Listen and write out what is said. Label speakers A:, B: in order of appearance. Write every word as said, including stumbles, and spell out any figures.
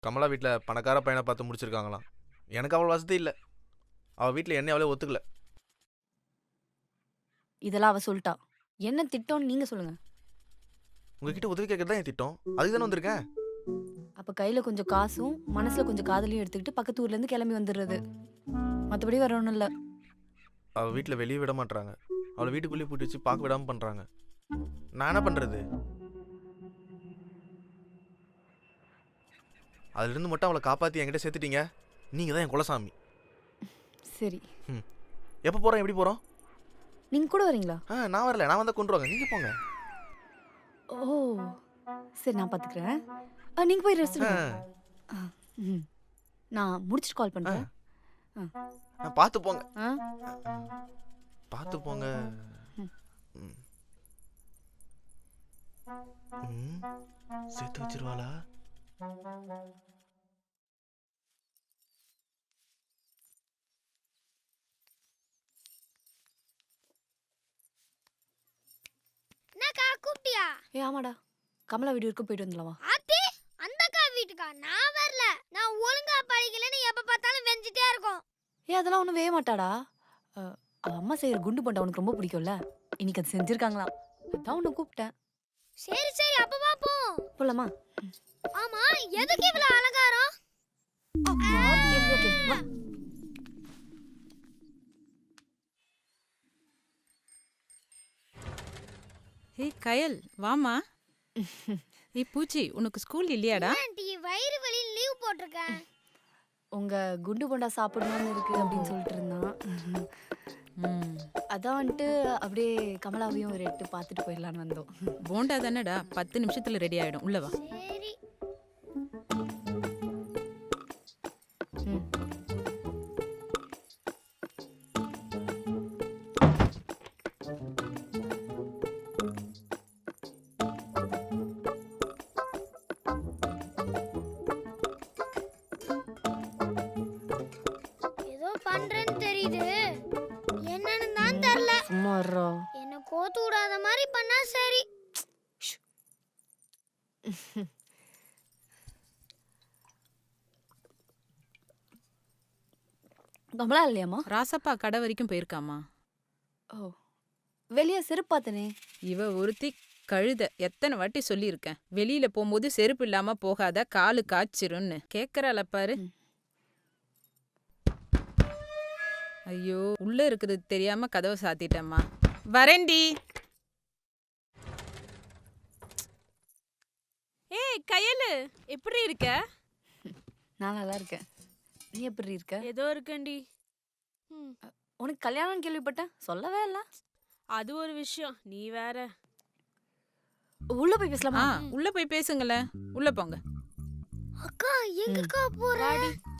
A: கமலா வீட்டில் பணக்கார பையனை பார்த்து முடிச்சிருக்காங்களாம். எனக்கு அவ்வளோ வசதி இல்லை. அவள் வீட்டில் என்னை அவளே ஒத்துக்கல.
B: இதெல்லாம் அவ சொல்லிட்டா. என்ன திட்டம்னு நீங்க சொல்லுங்க.
A: உங்ககிட்ட உதவி கேட்கறது தான் என் திட்டம். அதுக்கு தானே வந்திருக்கேன்.
B: அப்ப கையில கொஞ்சம் காசும் மனசுல கொஞ்சம் காதலையும் எடுத்துக்கிட்டு பக்கத்து ஊர்ல இருந்து கிளம்பி வந்துடுறது. மற்றபடி வேற ஒன்றும் இல்லை.
A: அவள் வீட்டில் வெளியே விட மாட்டாங்க. அவளை வீட்டுக்குள்ளேயே பூட்டி வச்சு பார்க்க விடாமல் பண்ணுறாங்க. நான் என்ன பண்ணுறது? அதுலேருந்து மட்டும் அவளை காப்பாற்றி என்கிட்ட சேர்த்துட்டீங்க. நீங்கள் தான் என் குலசாமி.
B: சரி,
A: ம் எப்போ போகிறோம்? எப்படி போகிறோம்?
B: நீங்க கூட வரீங்களா?
A: ஆ நான் வரல. நான் வந்தால் கொண்டு வாங்க. நீங்கள் போங்க.
B: ஓ சரி, நான் பார்த்துக்கிறேன். ஆ, நீங்க போய் ரெஸ்ட்
A: ஆ
B: எடுங்க. ஆ, ம். நான் முடிச்சுட்டு கால்
A: ஆ
B: பண்றேன்.
A: ஆ, பார்த்து போங்க.
B: ஆ
A: பார்த்து போங்க.
B: ம்.
A: ம். ம். சேர்த்து வச்சிருவாளா?
C: என்னக்கா கூப்பிட்டியா?
B: ஏ ஆமாடா, கமலா வீடு வரைக்கும் போயிட்டு வந்துடலாமா?
C: ஆத்தி அந்த அக்கா வீட்டுக்கா? நான் வரல. நான் ஒழுங்கா படிக்கலன்னு எப்ப பார்த்தாலும் வெஞ்சிட்டே இருக்கும்.
B: ஏ அதெல்லாம் ஒன்றும் வேக மாட்டாடா. அ, அவ அம்மா செய்யற குண்டு போண்டா உனக்கு ரொம்ப பிடிக்கும்ல. இன்னைக்கு அது செஞ்சிருக்காங்களாம். அதான் உன்னை கூப்பிட்டேன்.
C: சரி சரி, அப்ப பாப்போம்.
B: போலாமா?
C: ஆமா, எதுக்கு இவ்வளவு அலங்காரம்?
B: ஓகே ஓகே வா.
D: ஏய் கயல் வாமா. ஏய் பூச்சி, உனக்கு ஸ்கூல் இல்லையாடா?
C: ஆண்டி வயிறு வலி லீவ் போட்டிருக்கேன்.
B: உங்க குண்டு போண்டா சாப்பிடணும்னு இருக்கு அப்படின்னு சொல்லிட்டு இருந்தான்.
D: ம்,
B: அதான் வந்துட்டு அப்படியே கமலாவையும் ஒரு எட்டு பார்த்துட்டு போயிடலான்னு வந்தோம்.
D: போண்டா தானேடா, பத்து நிமிஷத்துல ரெடி ஆயிடும். உள்ள வா.
C: சரி.
B: ம்.
C: ஏதோ பண்றேன்னு தெரியுது. என்னன்னு தான் தெரியல.
B: சும்மா இருடா.
C: என்ன கோத்து விடாத மாதிரி பண்ணா சரி.
B: கமலா இல்லையாம்மா?
D: ராசப்பா கடை வரைக்கும் போயிருக்காமா.
B: ஓ, வெளியே செருப்பு பார்த்தனே.
D: இவ ஒருத்தி கழுத. எத்தனை வாட்டி சொல்லியிருக்கேன், வெளியில போகும்போது செருப்பு இல்லாம போகாத, காலு காய்ச்சிரும்னு. கேக்குறாள பாரு.
B: ம்.
D: ஐயோ, உள்ள இருக்குது தெரியாம கதவை சாத்திட்டம்மா. வரேன்டி.
E: ஏய் கயலு, எப்படி இருக்க?
B: நான் நல்லா இருக்கேன். நீ எப்படி இருக்க?
E: ஏதோ இருக்கேன்டி. ம்,
B: உனக்கு கல்யாணம் கேள்விப்பட்டேன், சொல்லவே இல்லை.
E: அது ஒரு விஷயம். நீ வேற.
B: உள்ள போய்
D: ஆ
B: பேசலாமா?
D: உள்ள போய் பேசுங்களேன். உள்ள போங்க.
C: அக்கா எங்கக்கா போற?
E: வாடி.